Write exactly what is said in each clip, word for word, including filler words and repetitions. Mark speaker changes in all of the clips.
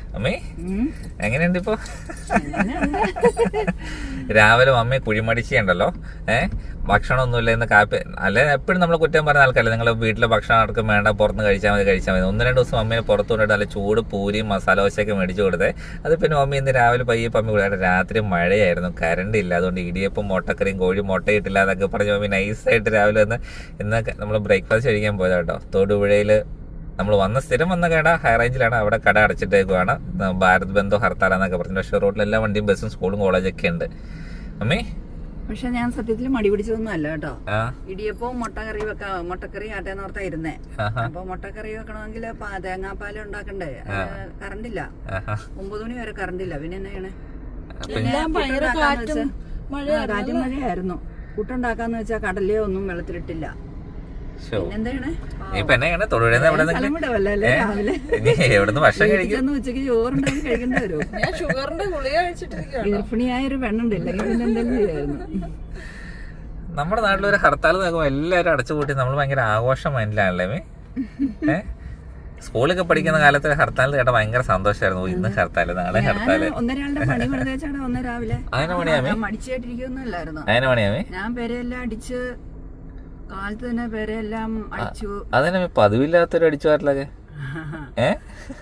Speaker 1: അമ്മേ എങ്ങനെയുണ്ട് ഇപ്പൊ? രാവിലെ മമ്മി കുഴിമടിച്ചുണ്ടല്ലോ, ഏഹ് ഭക്ഷണം ഒന്നുമില്ല എന്ന് കാപ്പി അല്ലെ എപ്പോഴും നമ്മൾ കുറ്റം പറഞ്ഞ ആൾക്കാരല്ലേ, നിങ്ങൾ വീട്ടിലെ ഭക്ഷണം ആർക്കും വേണ്ട, പുറത്തുനിന്ന് കഴിച്ചാൽ മതി കഴിച്ചാൽ മതി. ഒന്ന് രണ്ട് ദിവസം മമ്മീനെ പുറത്തു കൊണ്ടിട്ട് നല്ല ചൂട് പൂരിയും മസാല ദോശയൊക്കെ മേടിച്ചു കൊടുത്തേ. അത് പിന്നെ മമ്മി ഇന്ന് രാവിലെ പയ്യെ പമ്മി കൂടെ രാത്രി മഴയായിരുന്നു, കറണ്ട് ഇല്ല, അതുകൊണ്ട് ഇടിയപ്പം മുട്ടക്കറിയും കോഴി മുട്ടയിട്ടില്ല എന്നൊക്കെ പറഞ്ഞ് മമ്മി നൈസായിട്ട് രാവിലെ വന്ന് ഇന്ന് നമ്മൾ ബ്രേക്ക്ഫാസ്റ്റ് കഴിക്കാൻ പോയത് കേട്ടോ. തൊടുപുഴയിൽ നമ്മൾ വന്ന സ്ഥിരം വന്ന കട ഹൈ റേഞ്ചിലാണ്, അവിടെ കട അടച്ചിട്ടേക്കുവാണ്. ഭാരത് ബന്ധോ ഹർത്താലെന്നൊക്കെ പറഞ്ഞു. പക്ഷേ റോഡിൽ എല്ലാ വണ്ടിയും ബസ്സും സ്കൂളും കോളേജൊക്കെ ഉണ്ട്. അമ്മേ
Speaker 2: പക്ഷെ ഞാൻ സത്യത്തിൽ മടി പിടിച്ചതൊന്നും അല്ല കേട്ടോ. ഇടിയപ്പവും മുട്ടക്കറി വെക്കാ മുട്ടക്കറി ആട്ടേന്ന് ഓർത്താ ഇരുന്നേ. അപ്പൊ മുട്ടക്കറി വെക്കണമെങ്കിൽ തേങ്ങാപ്പാല് ഉണ്ടാക്കണ്ടേ, കറണ്ടില്ല. ഒമ്പത് മണി വരെ കറണ്ടില്ല. പിന്നെ എന്നാ ചെയ്യണേ? കാറ്റും മഴയായിരുന്നു. പുട്ടുണ്ടാക്കാന്ന് വെച്ചാൽ കടലയോ ഒന്നും വെള്ളത്തിലിട്ടില്ല. ഉച്ചക്ക് ചോറുണ്ടാക്കി കഴിക്കേണ്ടി വരും. ഗർഭിണിയായൊരു പെണ്ണുണ്ട്, ഇല്ലെങ്കിൽ പിന്നെ എന്തെങ്കിലും ചെയ്യായിരുന്നു.
Speaker 1: നമ്മുടെ നാട്ടിലൊരു ഹർത്താൽ നോക്കുമ്പോ എല്ലാവരും അടച്ചുപൂട്ടി നമ്മൾ ഭയങ്കര ആഘോഷം മൈൻഡിലാണല്ലേ. ഏഹ് സ്കൂളൊക്കെ പഠിക്കുന്ന കാലത്ത് ഹർത്താൽ കേട്ട ഭയങ്കര സന്തോഷമായിരുന്നു. ഇന്ന് ഹർത്താല്, നാളെ ഹർത്താല്.
Speaker 2: ഒന്നരാളുടെ പണി വെച്ചാണ് ഒന്ന് രാവിലെ
Speaker 1: അതിനെ പണിയാമേ
Speaker 2: മടിച്ചായിട്ടിരിക്കൊന്നുമില്ലായിരുന്നു.
Speaker 1: അതിനെ പണിയാമേ
Speaker 2: ഞാൻ പേരെല്ലാം അടിച്ച് കാലത്ത് തന്നെ പേരെല്ലാം അടിച്ചു.
Speaker 1: അതിനെ പതിവില്ലാത്തൊരു അടിച്ചു പാരലൊക്കെ ഏഹ്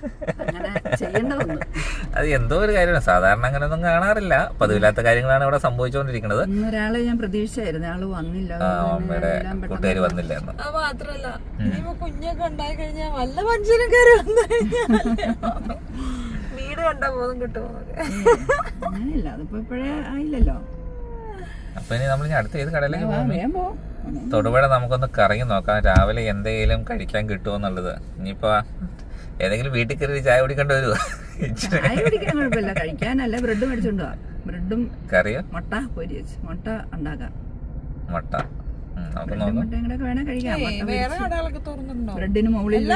Speaker 1: അത് എന്തോ ഒരു കാര്യമാണ്. സാധാരണ അങ്ങനെയൊന്നും കാണാറില്ല. പതിവില്ലാത്ത കാര്യങ്ങളാണ് ഇവിടെ സംഭവിച്ചുകൊണ്ടിരിക്കുന്നത്.
Speaker 2: ഒരാളെ ഞാൻ പ്രതീക്ഷിച്ചായിരുന്നു, ആള് വന്നില്ല.
Speaker 1: അമ്മയുടെ കൂട്ടുകാര് വന്നില്ല.
Speaker 3: അത് മാത്രല്ല കുഞ്ഞൊക്കെ ഉണ്ടായി കഴിഞ്ഞാൽ വല്ല മനുഷ്യനും കയറി വന്നു കഴിഞ്ഞാൽ വീട് കണ്ടാ ബോധം കിട്ടുമോ?
Speaker 2: അങ്ങനെയല്ല, അതിപ്പോ ഇപ്പഴേ ആയില്ലല്ലോ.
Speaker 1: അപ്പൊ ഇനി നമ്മൾ അടുത്ത ഏത് കടയിലേക്ക് പോകുമ്പോ തൊടുപുഴ നമുക്കൊന്ന് കറങ്ങി നോക്കാം, രാവിലെ എന്തെങ്കിലും കഴിക്കാൻ കിട്ടുമോ എന്നുള്ളത്. ഇനിയിപ്പോ ഏതെങ്കിലും വീട്ടിൽ കയറി ചായ കുടിക്കേണ്ടി വരുമോ?
Speaker 2: ചായ കുടിക്കാൻ കുഴപ്പമില്ല, കഴിക്കാനല്ല ബ്രെഡ് മേടിച്ചോണ്ടോ. ബ്രെഡും
Speaker 1: കറിയോ
Speaker 2: മുട്ട പൊരി വെച്ച് മുട്ട ഉണ്ടാക്കാം.
Speaker 1: മുട്ട നമുക്ക്
Speaker 2: മുട്ട വേണേ കഴിക്കാം. ബ്രെഡിന് മുകളിൽ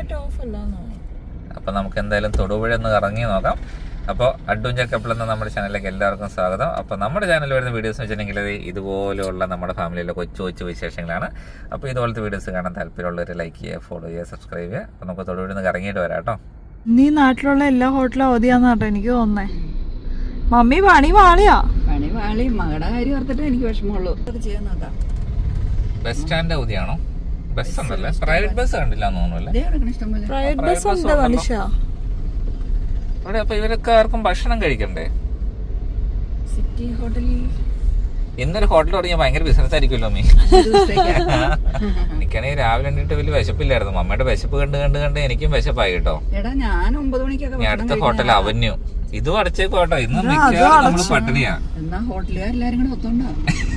Speaker 1: അപ്പൊ നമുക്ക് എന്തായാലും തൊടുപുഴ ഒന്ന് കറങ്ങി നോക്കാം. അപ്പോൾ അഡ്വഞ്ചർ കപ്പിൾ എന്ന നമ്മുടെ ചാനലിലേക്ക് എല്ലാവർക്കും സ്വാഗതം. അപ്പോൾ നമ്മുടെ ചാനലിൽ വരുന്ന വീഡിയോസ് എന്ന് വെച്ചിട്ടുണ്ടെങ്കിൽ ഇതുപോലെയുള്ള നമ്മുടെ ഫാമിലിയിലെ കൊച്ചു കൊച്ചു വിശേഷങ്ങളാണ്. അപ്പോൾ ഇതുപോലത്തെ വീഡിയോസ് കാണാൻ താല്പര്യമുള്ളവർ ലൈക്ക് ചെയ്യുക, ഫോളോ ചെയ്യുക, സബ്സ്ക്രൈബ് ചെയ്യുക. അപ്പോൾ നമുക്ക് തൊടുപുഴ നിന്ന് കറങ്ങിയിട്ട് വരാം കേട്ടോ.
Speaker 3: നീ നാട്ടിലുള്ള എല്ലാ ഹോട്ടലും അവധിയാന്ന് കേട്ടോ എനിക്ക് തോന്നേ. മമ്മി പണി വാളിയാ
Speaker 2: പണി വാളി മകളുടെ കാര്യം ഓർത്തിട്ട് എനിക്ക് വിഷമമുള്ളൂ. ചെയ്യാൻ നോക്കാം.
Speaker 1: ബസ് സ്റ്റാൻഡ് അവധിയാണോ? ബസ് ഉണ്ടല്ലേ? പ്രൈവറ്റ് ബസ് കണ്ടില്ല എന്ന് തോന്നുന്നു.
Speaker 3: പ്രൈവറ്റ് ബസ് ഉണ്ട് മനുഷ്യ.
Speaker 1: അപ്പൊ ഇവരൊക്കെ ആർക്കും ഭക്ഷണം കഴിക്കണ്ടേ?
Speaker 2: സിറ്റി ഹോട്ടലിൽ
Speaker 1: ഇന്നൊരു ഹോട്ടൽ തുടങ്ങിയ ഭയങ്കര ബിസിനസ് ആയിരിക്കുമല്ലോ മീ. എനിക്കാണെങ്കിൽ രാവിലെ കണ്ടിട്ട് വലിയ വിശപ്പില്ലായിരുന്നു. മമ്മയുടെ വിശപ്പ് കണ്ട് കണ്ട് കണ്ട് എനിക്കും വിശപ്പായി കേട്ടോ.
Speaker 2: ഞാൻ ഒമ്പത് മണിക്കൊക്കെ
Speaker 1: അടുത്ത ഹോട്ടൽ അവന്യൂ ഇതും അടച്ചേക്കും കേട്ടോ. ഇന്ന് മിക്കവാറും നമ്മള് പട്ടിണിയാ.
Speaker 2: എന്നാ ഹോട്ടലുകാരെല്ലാരും കൂടെ ഒത്തോണ്ടാ.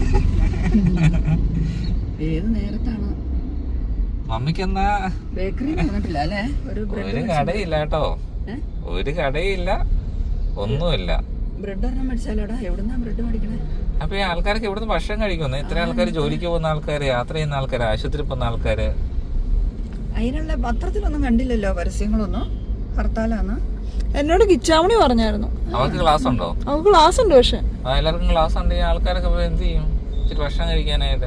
Speaker 2: ഏത് നേരത്താണ്
Speaker 1: മമ്മിക്ക് എന്നാ
Speaker 2: ബേക്കറി പറഞ്ഞിട്ടില്ല അല്ലേ?
Speaker 1: ഒരു കടയില്ല കേട്ടോ, ഒരു കടയില്ല, ഒന്നുമില്ല.
Speaker 2: ബ്രെഡ് ഒരെണ്ണം മേടിച്ചാലോടാ. എവിടുന്നാ ബ്രെഡ് മേടിക്കണേ?
Speaker 1: അപ്പൊ ഈ ആൾക്കാർക്ക് എവിടുന്ന് ഭക്ഷണം കഴിക്കുന്നു? ഇത്ര ആൾക്കാർ ജോലിക്ക് പോകുന്ന ആൾക്കാര്, യാത്ര ചെയ്യുന്ന ആൾക്കാര്, ആശുപത്രി പോകുന്ന ആൾക്കാര്.
Speaker 2: അതിനുള്ള പത്രത്തിലൊന്നും കണ്ടില്ലല്ലോ പരസ്യങ്ങളൊന്നും. ഹർത്താലാന്ന്
Speaker 3: എന്നോട് കിച്ചാമണി പറഞ്ഞായിരുന്നു.
Speaker 1: അവർക്ക് ക്ലാസ് ഉണ്ടോ?
Speaker 3: അവർക്ക് ക്ലാസ് ഉണ്ട്. പക്ഷെ
Speaker 1: എല്ലാവർക്കും ക്ലാസ് ഉണ്ട്. ഈ ആൾക്കാരൊക്കെ എന്ത് ചെയ്യും ഇച്ചിരി ഭക്ഷണം കഴിക്കാനായിട്ട്?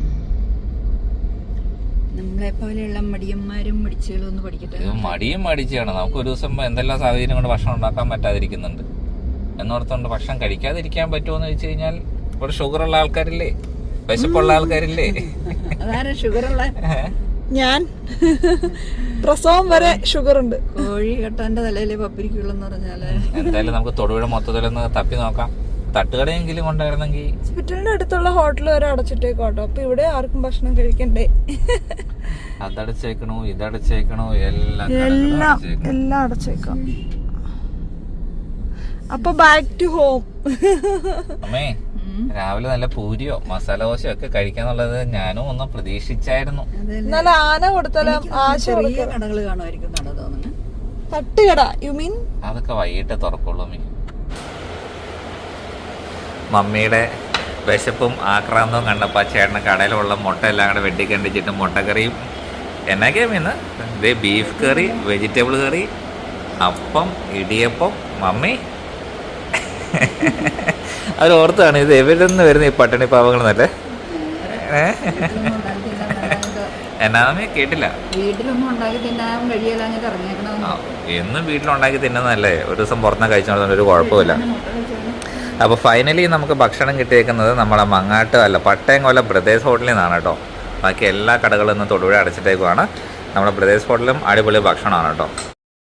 Speaker 2: നമ്മളെ പോലെയുള്ള മടിയന്മാരും മടിച്ചുകളും ഒന്ന് പഠിക്കട്ടെ.
Speaker 1: മടിയും മടിച്ചാണ്. നമുക്ക് ഒരു ദിവസം എന്തെല്ലാം സാഹചര്യം കൊണ്ട് ഭക്ഷണം ഉണ്ടാക്കാൻ പറ്റാതിരിക്കുന്നുണ്ട് എന്നോർത്തുകൊണ്ട് ഭക്ഷണം കഴിക്കാതിരിക്കാൻ പറ്റുമോന്ന് ചോദിച്ചു കഴിഞ്ഞാൽ ഇവിടെ ഷുഗറുള്ള ആൾക്കാരില്ലേ, വിശപ്പുള്ള ആൾക്കാരില്ലേ?
Speaker 2: അതാരാ ഷുഗറുള്ള?
Speaker 3: ഞാൻ പ്രസവം വരെ ഷുഗർ ഉണ്ട്.
Speaker 2: കോഴി കെട്ടാന്റെ തലയിലെ പപ്പിരിക്കുള്ളെന്ന് പറഞ്ഞാല്
Speaker 1: എന്തായാലും നമുക്ക് തൊടുപുഴ മൊത്തത്തിലൊന്ന് തപ്പി നോക്കാം. തട്ടുകടയെങ്കിലും കൊണ്ടായിരുന്നെങ്കിൽ.
Speaker 3: ഹോസ്പിറ്റലിന്റെ അടുത്തുള്ള ഹോട്ടൽ വരെ അടച്ചിട്ടേക്കോട്ടോ. അപ്പൊ ഇവിടെ ആർക്കും ഭക്ഷണം കഴിക്കണ്ടേ?
Speaker 1: അതടച്ചേക്കണോ ഇതടച്ചേക്കണോ എല്ലാം
Speaker 3: എല്ലാം എല്ലാം അടച്ചേക്കാം. അപ്പൊ ബാക്ക് ടു ഹോം.
Speaker 1: അമ്മേ രാവിലെ നല്ല പൂരിയോ മസാല ദോശയോ ഒക്കെ കഴിക്കാന്നുള്ളത് ഞാനും ഒന്നും പ്രതീക്ഷിച്ചായിരുന്നു.
Speaker 3: നല്ല ആന കൊടുത്താലും ആശ
Speaker 2: കടകൾ കാണുമായിരിക്കും.
Speaker 3: തട്ടുകട യു മീൻ?
Speaker 1: അതൊക്കെ വൈകിട്ട് തുറക്കുള്ളൂ മീ. മമ്മിയുടെ വിശപ്പും ആക്രാന്തവും കണ്ടപ്പോൾ ആ ചേട്ടന് കടയിലുള്ള മുട്ട എല്ലാം കൂടെ വെട്ടിക്കണ്ടിച്ചിട്ട് മുട്ടക്കറിയും എന്നൊക്കെയാ മീന്ന്. ഇത് ബീഫ് കറി, വെജിറ്റബിൾ കറി, അപ്പം, ഇടിയപ്പം. മമ്മി അവർ ഓർത്താണ് ഇത് എവിടെ നിന്ന് വരുന്ന ഈ പട്ടിണി പാവങ്ങളെന്നല്ലേ? എന്നാമേ കേട്ടില്ല.
Speaker 2: വീട്ടിലൊന്നും ഉണ്ടാക്കി തിന്നാൻ കഴിയില്ല എന്നിട്ട് ഇറങ്ങിയേക്കണമെന്ന്.
Speaker 1: എന്നും വീട്ടിലുണ്ടാക്കി തിന്നുന്നതല്ലേ, ഒരു ദിവസം പുറത്തുനിന്ന് കഴിച്ചോണ്ട് ഒരു കുഴപ്പമില്ല. അപ്പോൾ ഫൈനലി നമുക്ക് ഭക്ഷണം കിട്ടിയേക്കുന്നത് നമ്മളെ മങ്ങാട്ട് അല്ല പട്ടയംകൊല്ല ബ്രദേഴ്സ് ഹോട്ടലിൽ നിന്നാണ് കേട്ടോ. ബാക്കി എല്ലാ കടകളിൽ നിന്നും തൊടുപുഴ അടച്ചിട്ടേക്കുവാണ്. നമ്മുടെ ബ്രദേഴ്സ് ഹോട്ടലും അടിപൊളി ഭക്ഷണമാണ് കേട്ടോ.